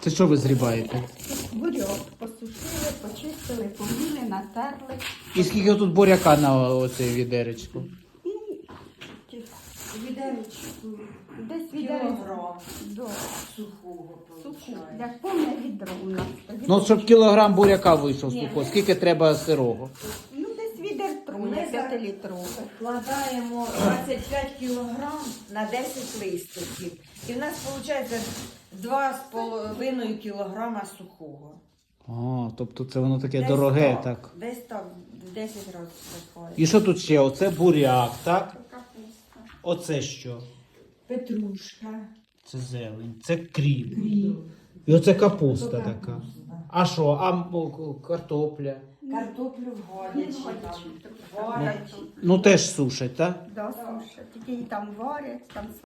Це що ви зрібаєте? Бурьок посушили, почистили, поміли, натерли. І скільки тут буряка на оцей відеречку? Відеречку. Десь Кілограм до сухого суху. получається. Як повне відро у нас. Ну, щоб кілограм буряка вийшов сухого, скільки треба сирого? Ну, десь відер труне, Ми за- 5-літрове. Вкладаємо 25 кілограм на 10 листиків. І в нас виходить 2,5 кілограма сухого. А, тобто це воно таке дороге, так. Десь так, в 10 разів виходить. І що тут ще? Оце буряк, так? Капуста. Оце що? Петрушка. Це зелень, це кріп. І оце капуста така. А що? А картопля? Картоплю варять. Варять. Ну теж сушать, так? Да, сушать. Тільки її там варять, там